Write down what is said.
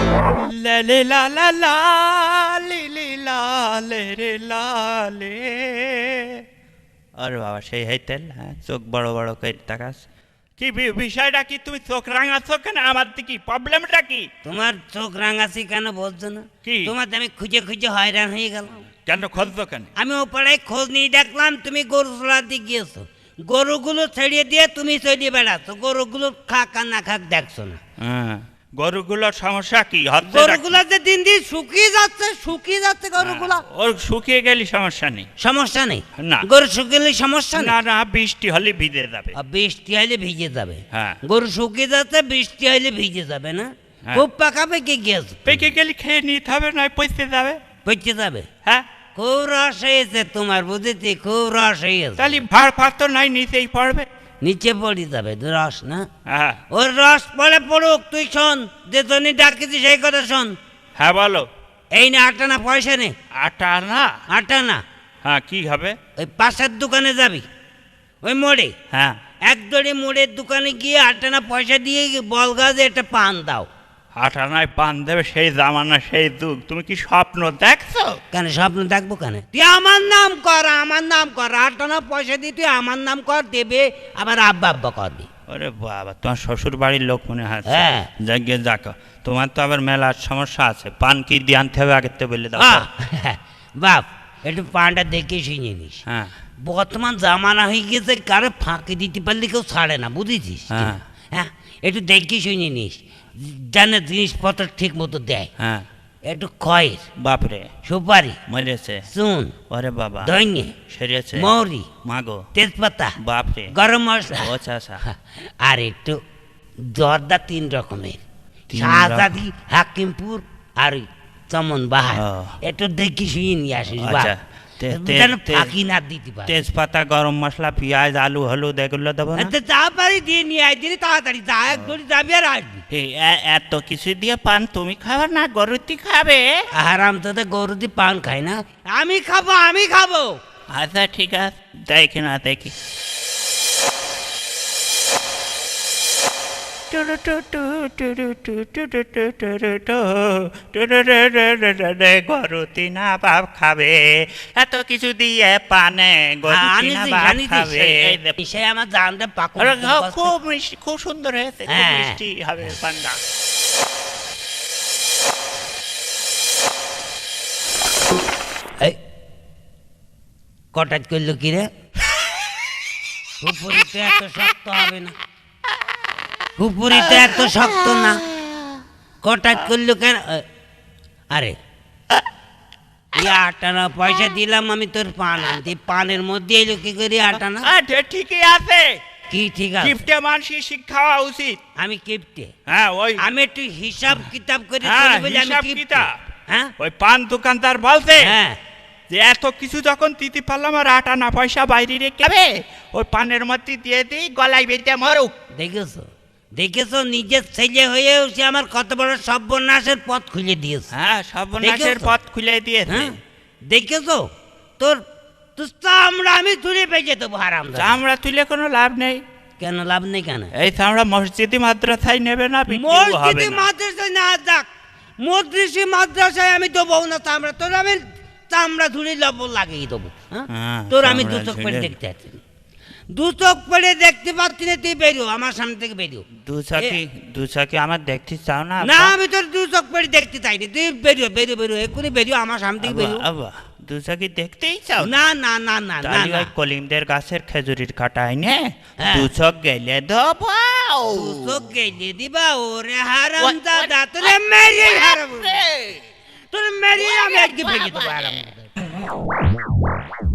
লে লে লা লা লা লি লি লা লে রে লা লে। আরে বাবা সেই হাইতেল, হ্যাঁ চোখ বড় বড় করে তাকাস। কি বিষয়টা কি? তুমি চোখ রাঙাচ্ছ কেন? আমার কি প্রবলেমটা কি? তোমার চোখ রাঙাছি কেন বলছো না? কি? তোমার আমি খুঁজে খুঁজে হয়রান হয়ে গেলাম। কেন খুঁজছো কেন? আমি ও পাড়ায় খোঁজ নিয়ে দেখলাম তুমি গরু চড়াতে গিয়েছো, গরুগুলো ছেড়িয়ে দিয়ে তুমি চড়িয়ে বেড়াচ্ছ, গরুগুলো খাক আর না খাক দেখছো না। হ্যাঁ, গরুগুলোর সমস্যা কি? গরুগুলো যে দিন দিন শুকিয়ে যাচ্ছে গরুগুলা। ওর শুকিয়ে গেলে সমস্যা নেই। সমস্যা নেই না। গরু শুকিয়ে সমস্যা না নেই। না, বৃষ্টি হলে ভিজে যাবে। বৃষ্টি হলে ভিজে যাবে। হ্যাঁ। গরু শুকিয়ে যাচ্ছে, বৃষ্টি হলে ভিজে যাবে না। হ্যাঁ। খুব পাকা পেকে গিয়েছে। পেকে গেলে খেয়ে নিতে হবে, নয় পচতে যাবে। পচে যাবে। হ্যাঁ, খুব রস হয়েছে তোমার, বুঝেছি, খুব রস হয়েছে। তাহলে ভাড় ফাড় তো নাই, নিচেই পড়বে। নিচে পড়ে যাবে রস না। হ্যাঁ ওর রস পড়ে পড়ুক, তুই শোন, যে জন্য ডাকিছি সেই কথা শোন। হ্যাঁ বলো। এই না 8 আনা পয়সা নে। আটা না? 8 আনা। হ্যাঁ, কি হবে? ওই পাশের দোকানে যাবি, ওই মোড়ে। হ্যাঁ, এক দড়ি মোড়ের দোকানে গিয়ে 8 আনা পয়সা দিয়ে বল গাছে একটা পান দাও। আটা নয় পান দেবে, সেই জামানা সেই যুগ। তুমি কি স্বপ্ন দেখছো? কেন স্বপ্ন দেখবো কেন? তুই আমার নাম কর, আমার নাম কর। 8 আনা পয়সা দিয়ে তুই আমার নাম কর, দেবে আবার আব্বা আব্বা করবি। ওরে বাবা, তোমার শ্বশুর বাড়ির লোক মনে হয়। হ্যাঁ। যাকে যাক, তোমার তো আবার মেলার সমস্যা আছে। পান কি দিয়ে আনতে হবে আগে তো বলে দাও। বাপ, একটু পানটা দেখে শুনে নিস। হ্যাঁ বর্তমান জামানা হয়ে গেছে, কারো ফাঁকি দিতে পারলে কেউ ছাড়ে না, বুঝেছিস? হ্যাঁ। হ্যাঁ, একটু দেখে শুনে নিস, জানে জিনিসপত্র ঠিক মতো দেয়। হ্যাঁ। একটু খয়ের, বাপরে, সুপারি, মরেছে। চুন, ওরে বাবা, ধনে, সেরেছে। মৌরি, মাগো, তেজপাতা, বাপরে, গরম মশলা, ও চাচা। আর একটু জর্দা 3 রকমের, 3 শাহজাদি, হাকিমপুর আর ওই চমন বাহার। ও। একটু দেখি শুয়ে নিয়ে আসিস। আচ্ছা, যেন ফাঁকি না দিতে পারে। তেজপাতা, গরম মশলা, পেঁয়াজ, আলু, হলুদ এগুলো দেবো না? তাড়াতাড়ি দিয়ে নিয়ে আয়, দিদি তাড়াতাড়ি যা, এক ঘড়ি যাবি আর আসবি। এত কিছু দিয়ে পান তুমি খাবে না, গরুতি খাবে? আরাম তো গরু দিয়ে পান খাই না। আমি খাবো। আচ্ছা ঠিক আছে, দেখি না দেখি। গরুতি না বাপ খাবে, এত কিছু দিয়ে পানে গরুতি না বাপ খাবে। সে আমার জানতে পাকো। খুব মিষ্টি, খুব সুন্দর হয়েছে, খুব হ্যাঁ। মিষ্টি হবে পান্ডা। কটাজ করলো কি রে? খুপুরিতে এত শক্ত হবে না, খুপুরিতে এত শক্ত না। কটাজ করলো কেন? আরে 8 আনা পয়সা দিলাম আমি তোর পান আনতে, পানের মধ্যে এলো কি করে 8 আনা? ঠিকই আছে। কি ঠিক আছে? কিপ্টে মানুষের শিক্ষা হওয়া উচিত। আমি কিপ্টে? হ্যাঁ, ওই আমি একটু হিসাব কিতাব করে হ্যাঁ, চলি বলে আমি হিসাব কিপ্টে। কিতাব। হ্যাঁ ওই পান দোকানদার বলছে হ্যাঁ, যে এত কিছু যখন দিতে পারলাম, আর 8 আনা পয়সা বাইরে রেখে ওই পানের মধ্যে দিয়ে দিই, গলায় বেঁধে মরুক। দেখেছো নিজের ছেলে হয়েও সে আমার কত বড় সর্বনাশের পথ খুলে দিয়েছে। হ্যাঁ, সর্বনাশের দেখেছো? পথ খুলে দিয়েছে। হ্যাঁ, দেখেছো? তোর চামড়া আমি তুলে বেঁচে দেবো হারাম। চামড়া তুলে কোনো লাভ নেই। কেন লাভ নেই কেন? এই চামড়া মসজিদি মাদ্রাসায় নেবে না, মসজিদে মাদ্রাসায় না যাক, মদ্রিসি মাদ্রাসায় আমি দেবো না চামড়া। তোর আমি চামড়া ধুলে লব লাগিয়ে দেবো। হ্যাঁ, তোর আমি চামড়া 2 চোখ পেড়ে ঝুলে- দেখতে পাচ্ছি, 2 চোখ পেড়ে দেখতে পাচ্ছি না। তুই বেরিও আমার সামনে থেকে, বেরিও। দু চাকি আমার দেখতে চাও না? না, আমি তোর 2 চোখ পেড়ে দেখতে চাইনি। তুই বেরিও, এক্ষুনি বেরিও আমার সামনে থেকে, বেরিও। দু চাকি দেখতেই চাও না না না না না তাহলে না, ওই কলিমদের গাছের খেজুরির কাটাই নে, হ্যাঁ। 2 চোখ গেলে দেবো। 2 চোখ গেলে দিবা? ওরে হারাম দাদা, তোরে মেরিয়ে হারাম, তোরে মেরিয়ে আমি আজকে ভেঙে দেবো হারাম।